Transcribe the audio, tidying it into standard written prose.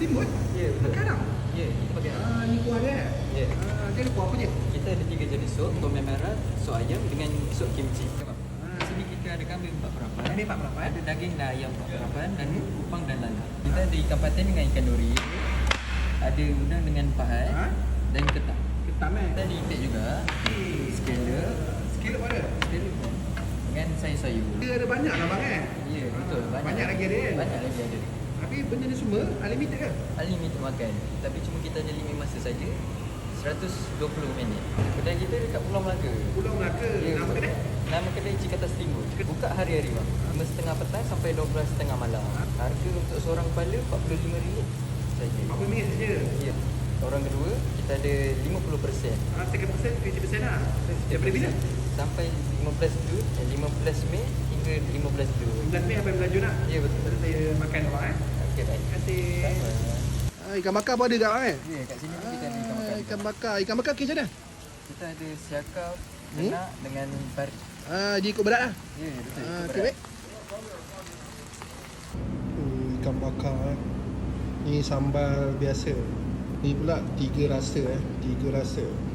Steamboat? Ya, betul. Kadang? Ya, kita pakai. Ni kuah dia. Ya. Dia ada kuah apa je? Kita ada 3 jenis sup, tom yam merah, sup ayam dengan sup kimchi. Di sini kita ada kambing 4 perapan. Kambing 4 perapan. Ada daging dan ayam 4 perapan dan kupang dan lala. Kita ada ikan patin dengan ikan dori. Ada udang dengan pahat dan ketam. Ketam Kita ada itik juga. Scallop. Scallop ada? Scallop kan. Dengan sayur-sayur. Dia ada banyak lah bang Ya, betul. Banyak lagi ada kan? Banyak lagi ada. Tapi benda ni semua unlimited kan? Unlimited makan. Tapi cuma kita ada limit masa saja. 120 minit. Kedai kita dekat Pulau Melaka. Pulau Melaka. Ya, Nama betul. kedai? Nama kedai Cikata Steamboat. Buka hari-hari bang. 5.30 petang sampai 12.30 malam. Harga untuk seorang kepala RM45 saja. RM40 saja? Ya. Orang kedua, kita ada 50%. 30%, 20% lah. Daripada bila? Sampai 15 Jun, 15 Mei hingga 15 Jun. 15 Mei sampai 15 Jun lah? Ya, betul. Baru saya makan abang Okey, baik. Terima kasih. Sama. Ikan bakar pun ada kat abang Ya, kat sini pun kita ada ikan bakar. Ikan bakar. Ikan bakar kes macam mana? Kita ada siakap, kenak dengan pari. Dia ikut berat lah? Ya, betul. Okey, baik. Ikan bakar Ni sambal biasa. Ni pula 3 rasa 3 rasa.